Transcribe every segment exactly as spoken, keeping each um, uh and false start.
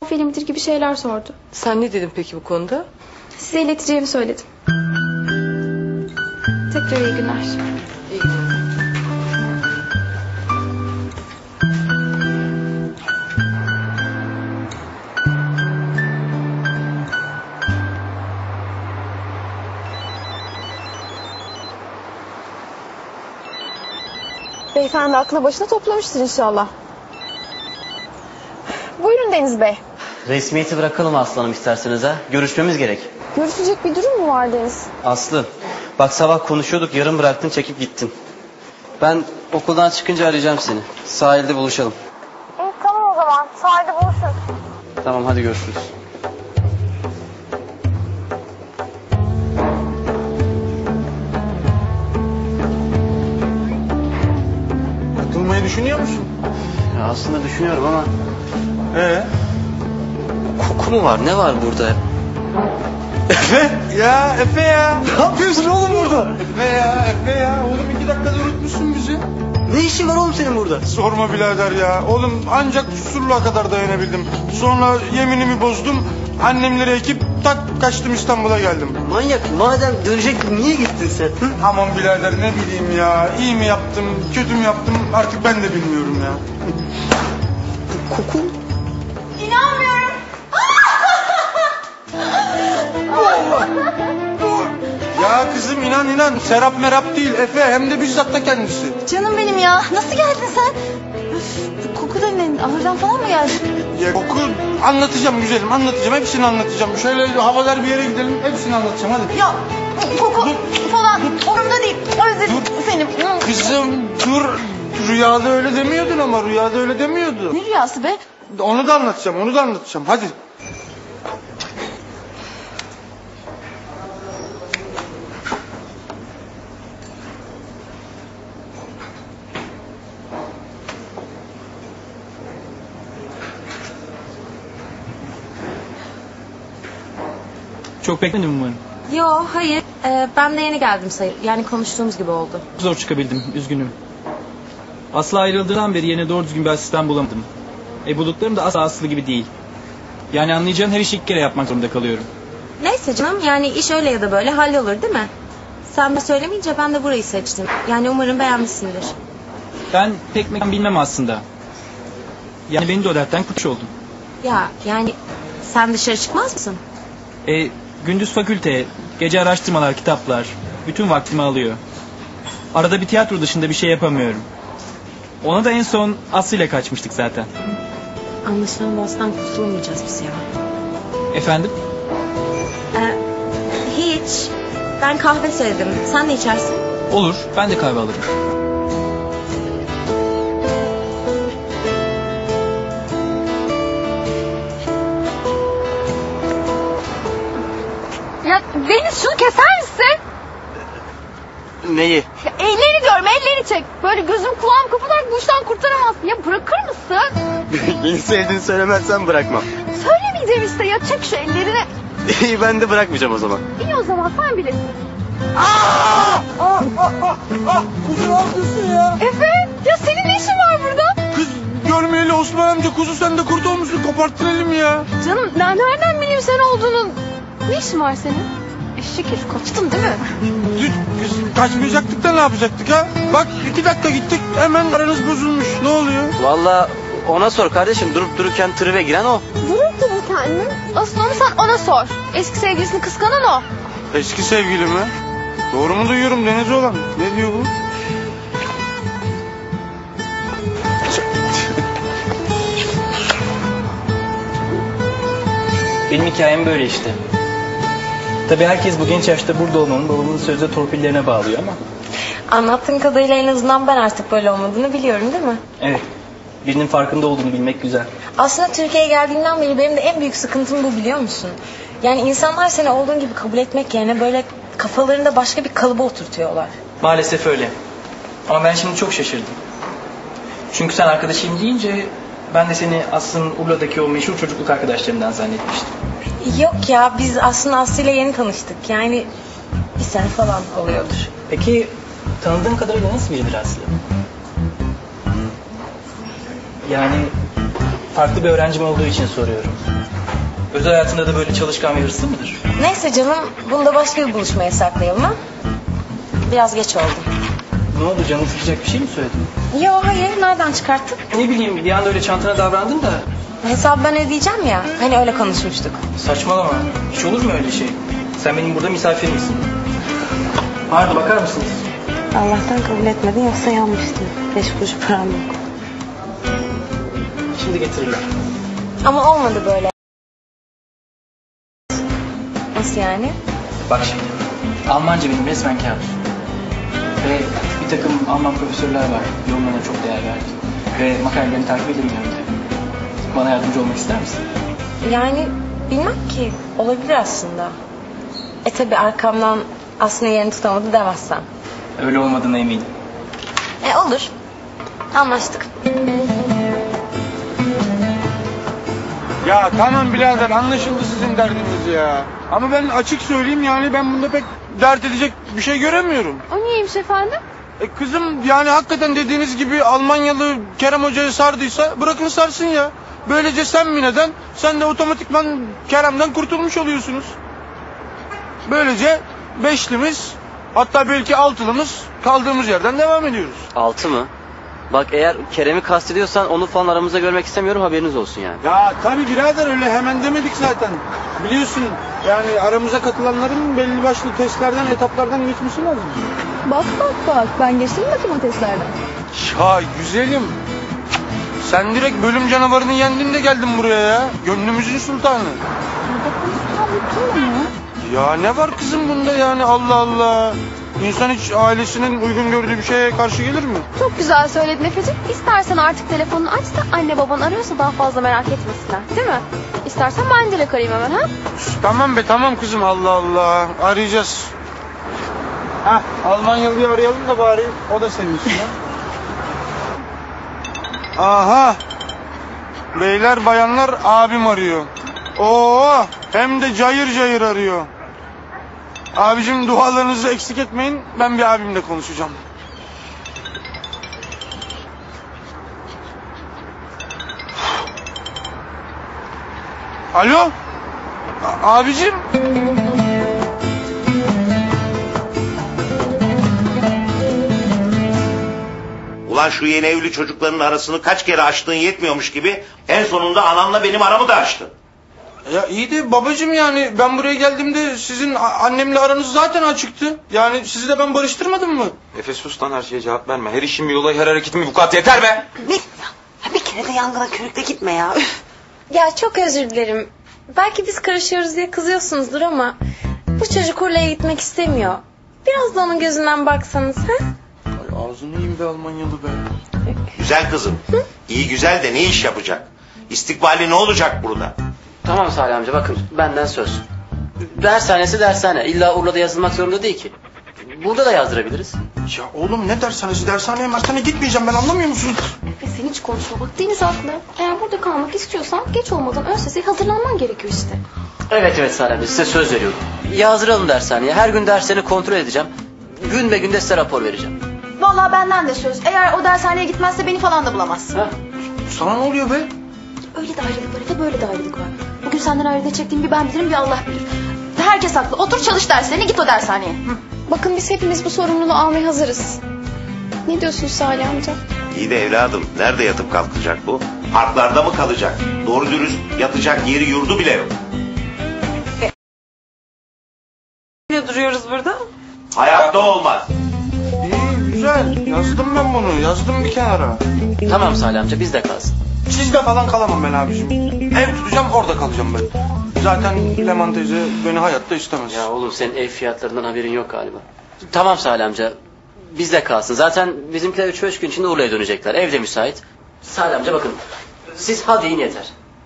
Film midir gibi şeyler sordu. Sen ne dedin peki bu konuda? Size ileteceğimi söyledim. Tekrar iyi günler. İyi günler. Beyefendi aklı başına toplamıştır inşallah. Buyurun Deniz Bey. Resmiyeti bırakalım aslanım isterseniz ha. Görüşmemiz gerek. Görüşecek bir durum mu var Deniz? Aslı, bak sabah konuşuyorduk, yarım bıraktın, çekip gittin. Ben okuldan çıkınca arayacağım seni. Sahilde buluşalım. İyi tamam o zaman. Sahilde buluşuruz. Tamam, hadi görüşürüz. Atılmayı düşünüyor musun? Ya aslında düşünüyorum ama Ee? koku mu var? Ne var burada? Efe? Ya Efe ya. Ne yapıyorsun oğlum burada? Efe ya, Efe ya. Oğlum iki dakikada unutmuşsun bizi. Ne işin var oğlum senin burada? Sorma birader ya. Oğlum ancak Susurluğa kadar dayanabildim. Sonra yeminimi bozdum. Annemleri ekip tak kaçtım, İstanbul'a geldim. Manyak, madem dönecektin niye gittin sen? Hı? Aman birader ne bileyim ya. İyi mi yaptım, kötü mü yaptım artık ben de bilmiyorum ya. Koku? İnanmıyorum. Ya kızım inan inan. Serap merap değil Efe, hem de bizzat da kendisi. Canım benim ya. Nasıl geldin sen? Üf, bu koku da ne? Ahırdan falan mı geldin? Ya koku anlatacağım güzelim, anlatacağım, hepsini anlatacağım. Şöyle havalar bir yere gidelim, hepsini anlatacağım hadi. Ya koku falan umurumda değil. Özledim seni. Kızım dur, rüyada öyle demiyordun ama rüyada öyle demiyordun. Ne rüyası be? Onu da anlatacağım, onu da anlatacağım hadi. Çok bekledim umarım. Yo hayır ee, ben de yeni geldim sayı. Yani konuştuğumuz gibi oldu. Zor çıkabildim, üzgünüm. Aslı ayrıldığından beri yerine doğru düzgün bir asistan bulamadım. E bulduklarım da asla Aslı gibi değil. Yani anlayacağın her işi ilk kere yapmak zorunda kalıyorum. Neyse canım yani iş öyle ya da böyle hallolur değil mi? Sen de söylemeyince ben de burayı seçtim. Yani umarım beğenmişsindir. Ben pek mekan bilmem aslında. Yani beni de o dertten kurtuluş oldum. Ya yani sen dışarı çıkmaz mısın? E gündüz fakülte, gece araştırmalar, kitaplar bütün vaktimi alıyor. Arada bir tiyatro dışında bir şey yapamıyorum. Ona da en son Aslı ile kaçmıştık zaten. Anlaşılan boğazdan kurtulamayacağız biz ya. Efendim? Ee, hiç. Ben kahve söyledim. Sen ne içersin? Olur, ben de kahve alırım. Ya Deniz şunu keser misin? Neyi? Ya elleri diyorum, elleri çek. Böyle gözüm kulağım kapatarak bu işten kurtaramazsın. Ya bırakır mısın? Beni sevdiğini söylemezsen bırakmam. Söylemeyeceğim işte ya, çek şu ellerini. İyi, ben de bırakmayacağım o zaman. İyi o zaman sen bilirsin. Ah, ah, ah, ah, kuzu ne yapıyorsun ya? Efe ya senin ne işin var burada? Kız görmeyeli Osman amca, kuzu sen de kurt olmuşsun, koparttıralım ya. Canım ben nereden bileyim sen olduğunu? Ne işin var senin? Eşek herif, kaçtın değil mi? Düz, kız kaçmayacaktık da ne yapacaktık ha? Bak iki dakika gittik hemen aranız bozulmuş, ne oluyor? Vallahi ona sor kardeşim, durup dururken tribe giren o. Durup dururken mi? Asıl onu sen ona sor. Eski sevgilisini kıskanan o. Eski sevgili mi? Doğru mu duyuyorum Deniz olan? Ne diyor bu? Benim hikayem böyle işte. Tabii herkes bu genç yaşta burada olmanın babamın sözde torpillerine bağlıyor ama. Anlattığın kadarıyla en azından ben artık böyle olmadığını biliyorum değil mi? Evet. Birinin farkında olduğunu bilmek güzel. Aslında Türkiye'ye geldiğimden beri benim de en büyük sıkıntım bu, biliyor musun? Yani insanlar seni olduğun gibi kabul etmek yerine böyle kafalarında başka bir kalıba oturtuyorlar. Maalesef öyle. Ama ben şimdi çok şaşırdım. Çünkü sen arkadaşıyım deyince ben de seni Aslı'nın Urla'daki o meşhur çocukluk arkadaşlarından zannetmiştim. Yok ya, biz aslında Aslı ile yeni tanıştık. Yani bir sene falan oluyordur. Peki tanıdığın kadarıyla nasıl biridir Aslı? Yani farklı bir öğrencim olduğu için soruyorum. Özel hayatında da böyle çalışkan ve hırslı mıdır? Neyse canım, bunu da başka bir buluşmaya saklayalım ha. Biraz geç oldu. Ne oldu, canını sıkacak bir şey mi söyledin? Yo hayır, nereden çıkarttın? Ne bileyim, bir anda öyle çantana davrandın da. Hesabı ben ödeyeceğim ya. Hani öyle konuşmuştuk. Saçmalama. Hiç olur mu öyle şey? Sen benim burada misafir misin? Pardon, bakar mısınız? Allah'tan kabul etmedin, yoksa yanmıştın. Beş kuruş param yok. Şimdi getirirler. Ama olmadı böyle. Nasıl yani? Bak şimdi. Almanca benim resmen kabus. Ve bir takım Alman profesörler var. Yorumlarına çok değer verdim. Ve makalelerini takip edemiyorum tabii. Bana yardımcı olmak ister misin? Yani bilmem ki. Olabilir aslında. E tabi arkamdan aslında yerini tutamadı demezsem. Öyle olmadığına eminim. E olur. Anlaştık. Ya tamam birader, anlaşıldı sizin derdiniz ya. Ama ben açık söyleyeyim, yani ben bunda pek dert edecek bir şey göremiyorum. O niyeymiş efendim? E kızım, yani hakikaten dediğiniz gibi Almanyalı Kerem Hoca'yı sardıysa bırakın sarsın ya. Böylece sen mi neden, sen de otomatikman Kerem'den kurtulmuş oluyorsunuz. Böylece beşlimiz, hatta belki altılımız kaldığımız yerden devam ediyoruz. Altı mı? Bak, eğer Kerem'i kastediyorsan onu falan aramızda görmek istemiyorum, haberiniz olsun yani. Ya tabii birader, öyle hemen demedik zaten. Biliyorsun yani aramıza katılanların belli başlı testlerden, etaplardan geçmesi lazım. Bak bak bak, ben geçtim bakayım o testlerden. Ya güzelim, sen direkt bölüm canavarını yendin de geldin buraya ya. Gönlümüzün sultanı. Ya ne var kızım bunda yani, Allah Allah. İnsan hiç ailesinin uygun gördüğü bir şeye karşı gelir mi? Çok güzel söyledin Efe'ciğim. İstersen artık telefonunu aç da anne baban arıyorsa daha fazla merak etmesinler. Değil mi? İstersen ben direkt arayayım hemen ha? Üf, tamam be tamam kızım, Allah Allah. Arayacağız. Hah, Almanyalı'yı arayalım da bari o da sevinsin ya. Aha. Beyler bayanlar, abim arıyor. Oo, hem de cayır cayır arıyor. Abicim, dualarınızı eksik etmeyin. Ben bir abimle konuşacağım. Alo? A- abicim? Ulan şu yeni evli çocukların arasını kaç kere açtığın yetmiyormuş gibi en sonunda anamla benim aramı da açtın. Ya iyi de babacığım, yani ben buraya geldiğimde sizin a- annemle aranız zaten açıktı. Yani sizi de ben barıştırmadım mı? Efe sus lan, her şeye cevap verme. Her işin bir olayı, her hareketin bir vukuat, yeter be! Ne? Ya bir kere de yangına körükle gitme ya. Üf. Ya çok özür dilerim. Belki biz karışıyoruz diye kızıyorsunuzdur ama bu çocuk oraya gitmek istemiyor. Biraz da onun gözünden baksanız ha? Ay ağzını yiyeyim be Almanyalı be. Güzel kızım. İyi güzel de ne iş yapacak? İstikbali ne olacak burada? Tamam Salih amca, bakın benden söz. Dershanesi dershane. İlla Urla'da yazılmak zorunda değil ki. Burada da yazdırabiliriz. Ya oğlum, ne dershanesi, dershaneye mershaneye gitmeyeceğim ben, anlamıyor musun? Efe sen hiç konuşma bak, Deniz haklı. Eğer burada kalmak istiyorsan geç olmadan ön seseye hazırlanman gerekiyor işte. Evet evet Salih amca, size söz veriyorum. Yazdıralım dershaneye. Her gün derslerini kontrol edeceğim. Gün be günde size rapor vereceğim. Vallahi benden de söz. Eğer o dershaneye gitmezse beni falan da bulamaz. Ha? Sana ne oluyor be? Öyle de ayrılık var Efe, böyle de ayrılık var. Bugün senden ayrı ne çektiğimi bir ben bilirim bir Allah bilir. Herkes haklı. Otur çalış derslerini, git o dershaneye. Hı. Bakın biz hepimiz bu sorumluluğu almaya hazırız. Ne diyorsun Salih amca? İyi de evladım, nerede yatıp kalkacak bu? Parklarda mı kalacak? Doğru dürüst yatacak yeri yurdu bile yok. Ne duruyoruz burada? Hayatta olmaz. İyi güzel, yazdım ben bunu, yazdım bir kenara. Tamam Salih amca, bizde kalsın. Sizde falan kalamam ben abicim. Ev tutacağım, orada kalacağım ben. Zaten Leman teyze beni hayatta istemez. Ya oğlum, senin ev fiyatlarından haberin yok galiba. Tamam Salih amca, bizde kalsın. Zaten bizimkiler üç beş gün içinde Urla'ya dönecekler. Evde müsait. Salih amca bakın, siz hadi in yeter.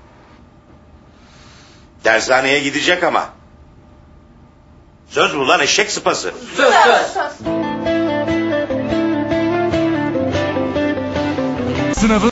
Dershaneye gidecek ama. Söz mü lan, eşek sıpası? Söz söz. Sınavın